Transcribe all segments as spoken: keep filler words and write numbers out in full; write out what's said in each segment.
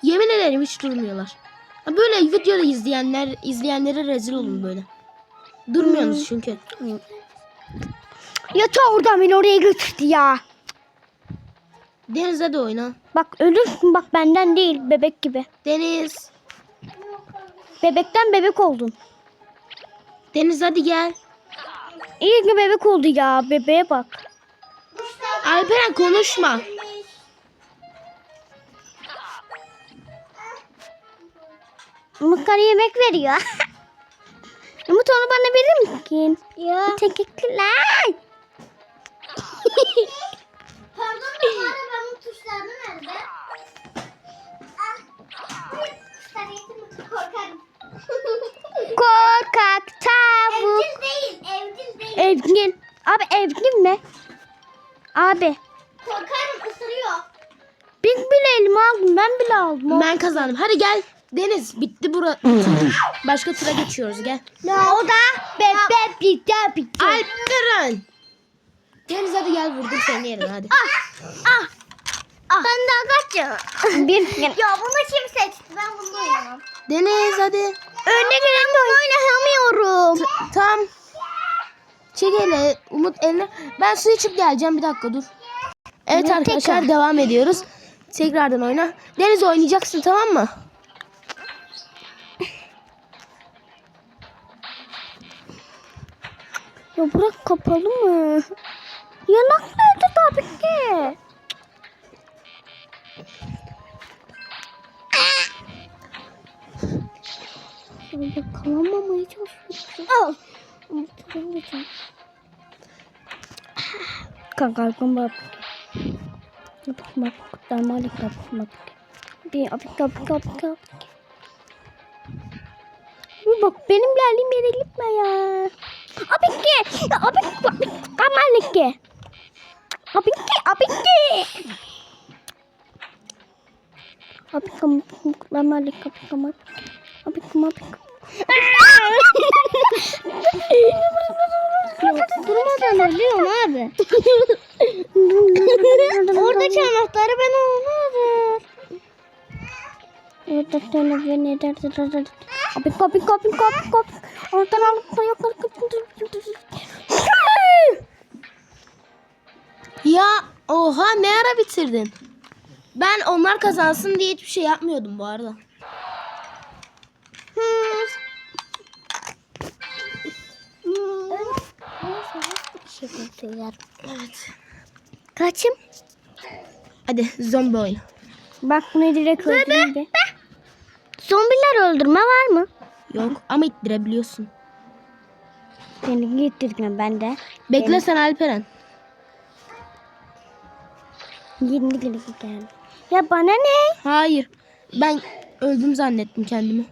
Yemin ederim hiç durmuyorlar. Ha, böyle videoda izleyenler izleyenlere rezil olun böyle. Durmuyorsunuz çünkü. Ya ta oradan beni oraya götürdü ya. Deniz hadi oyna. Bak ölürsün bak benden değil bebek gibi. Deniz. Bebekten bebek oldun. Deniz hadi gel. İyi ki bebek oldu ya bebeğe bak. Alperen konuşma. Umut bana yemek veriyor. Umut onu bana verir misin? Ya. Teşekkürler. Pardon da bu arabanın tuşları nerede? Ah, tuşlar yetim korkarım. Korkak tavuk. Evcil değil, evcil değil. Evgin. Abi evgin mi? Abi. Korkarım, ısırıyor. Biz bile elime aldım. Ben bile aldım. Ben kazandım. Hadi gel. Deniz bitti bura. Başka tura geçiyoruz gel. O da bebek bitti bitti. Alperen. Deniz hadi gel vurdum seni yerine hadi. Ah. Ben daha kaçım. Bir. Ya bunu kim seçti? Ben bunu oynamam. Deniz hadi. Önüne geleni oynayamıyorum. Tam. Çek hele. Umut eline. Ben su içip geleceğim bir dakika dur. Evet Ne arkadaşlar tekrar? devam ediyoruz. Tekrardan oyna. Deniz oynayacaksın tamam mı? Ya bırak kapalı mı? Yanak nerede tabii ki? Böyle kalamamaya çalışıyorum. Al. Unutmayacağım. Kanka kalkın bak. Yapık bak. Damalik yapık bak. Bir apik apik apik apik. Bir bak benim geldiğim yere gitme ya. Apik ki. Apik apik. Damalik ki. Apik ki. Apik ki. Apik apik. Damalik apik apik. Apik apik. Durmadan ölüyorum abi. Oradaki anahtarı ben almadım. Evet, dörtte beni derdi. Abi kapı kapı kapı kapı. Oradan alıp da yukarı Ya oha ne ara bitirdin? Ben onlar kazansın diye hiçbir şey yapmıyordum bu arada. Evet. Kaçım? Hadi zombi oyna. Bak bunu direkt öldüreyim bir. Zombiler öldürme var mı? Yok ama ittirebiliyorsun. Beni gittirdim ben de. Bekle sen Alperen. Yirmi geldi geldi. Ya bana ne? Hayır. Ben öldüm zannettim kendimi.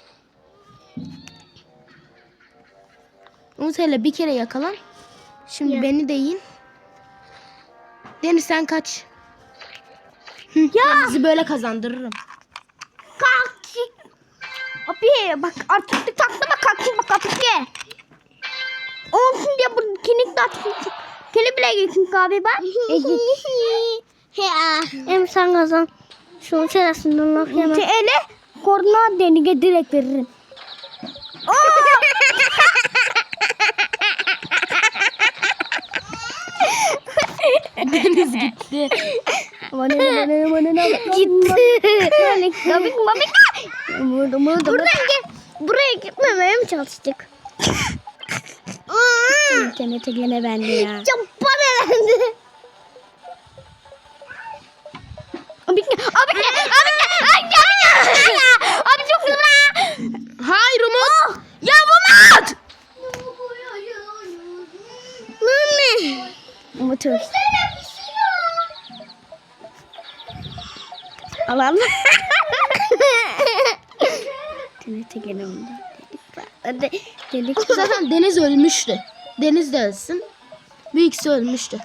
Umut hele bir kere yakalan. Şimdi Ya. beni de yiyin. Deniz sen kaç. Hı, Ya. ben bizi böyle kazandırırım. Kalk. Abi bak artık bir taklama kalkayım bak abi ki. Olsun diye bu kinik de açsın. Kini bile gitsin abi bak. Ya. Hem sen kazan. Şunu çenesinden laf yemem. Ele koordinat denige direkt veririm. Deniz gitti. Bana ne bana ne bana ne. Gitti. Babik babik. Buradan gel. Buraya gitmemeye mi çalıştık? İnternete gene bende ya. Çok paralendi. Abi abi abi abi abi çok güzel. Hayır Umut. Ya Umut. Mami. Umut öl. Alan. İnternete gene ondan. Hadi dedik. Zaten Deniz ölmüştü. Deniz de ölsün. Bu ikisi ölmüştü.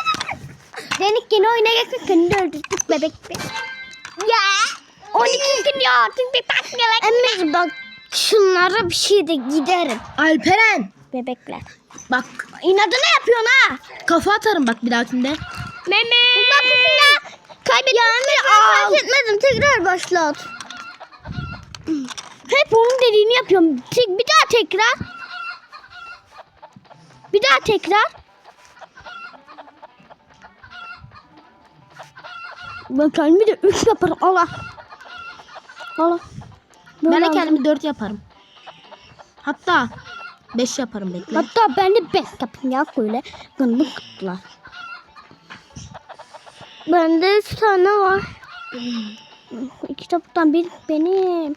Denik yine oyuna geçmek kendi öldürdük bebek. Ya on iki gün ya artık bir tak gelek. Emir bak şunlara bir şey de giderim. Alperen. Bebekler. Bak İnadına yapıyorsun ha. kafa atarım bak bir dahakinde. Mehmet. Bak ya. Kaybettim. Ya kaybetmedim. Tekrar başlat. Hep onun dediğini yapıyorum. Tek, bir daha tekrar. Bir daha tekrar. Ben kendimi de üç yaparım. Allah. Allah. Ben de Böyle kendimi dört yaparım. Hatta beş yaparım bekle. Hatta ben de beş yapayım ya böyle. Gındık kutlar. Bende üç tane var. İki kitaptan bir benim.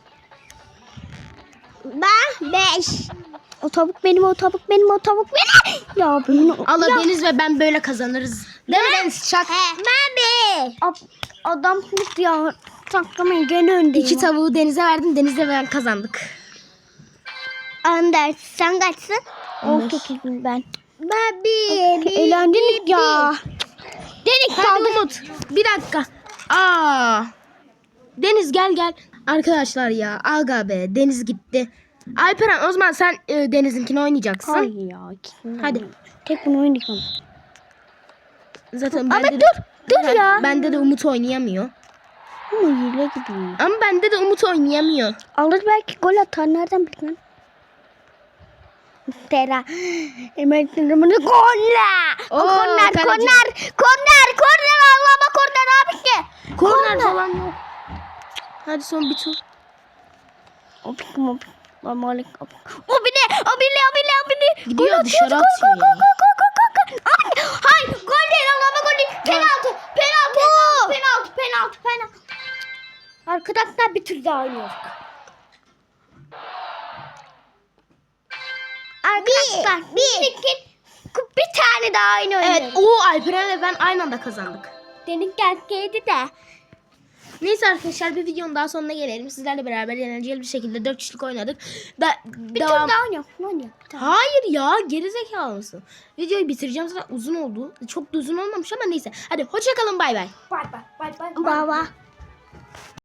Ben beş. O tavuk benim, o tavuk benim, o tavuk benim. Ya bunu. Allah ya. Deniz ve ben böyle kazanırız. Değil mi Deniz? Şak. Ben beş. Adam kurt ya. Saklamayın gene öndeyim. İki tavuğu Deniz'e verdim. Deniz'le ben kazandık. Önder. Sen kaçsın? On beş. on sekizim ben. Ben bir. Eğlendik ya. Dedik Hadi kaldı. Umut. Bir dakika. Aa. Deniz gel gel. Arkadaşlar ya. Aga be. Deniz gitti. Alperen o zaman sen e, Deniz'inkini oynayacaksın. Hayır ya. ikisini de Hadi. oynayayım. Tek bunu oynayacağım. Zaten Ama bende dur, de, dur ben- ya. Bende de Umut oynayamıyor. Ama hile gibi. Ama bende de Umut oynayamıyor. Alır belki gol atar. Nereden bileyim? Tera. Emeklerimini golle. Oo, Korner, kaleci. korner, korner, korner. Allah'ıma korner abi ki. Korner falan yok. Hadi son bir tur. Opik mi opik? Malik opik. O bile, o bile, o bile, o bile. Gidiyor, Gol dışarı atıyor, atıyor Gol, ya. gol, gol, gol, gol, gol, gol. Abi, hayır, gol değil. Allah'ıma gol değil. Penaltı, penaltı, penaltı, penaltı, penaltı. Arkadaşlar bir tur daha oynuyoruz. Arkadaşlar bir, bir, bir tane daha oyun oynuyoruz. Evet o Alperen'le ben aynı anda kazandık. Dedik geldi de. Neyse arkadaşlar bir videonun daha sonuna gelelim. Sizlerle beraber eğlenceli bir şekilde dört kişilik oynadık. Da, Bir devam... tur daha oynayalım. Oynayalım. Bir tane. Hayır ya gerizekalı mısın? Videoyu bitireceğim zaten uzun oldu. Çok da uzun olmamış ama neyse. Hadi hoşça kalın bay bay. Bay bay bay bay. Baba.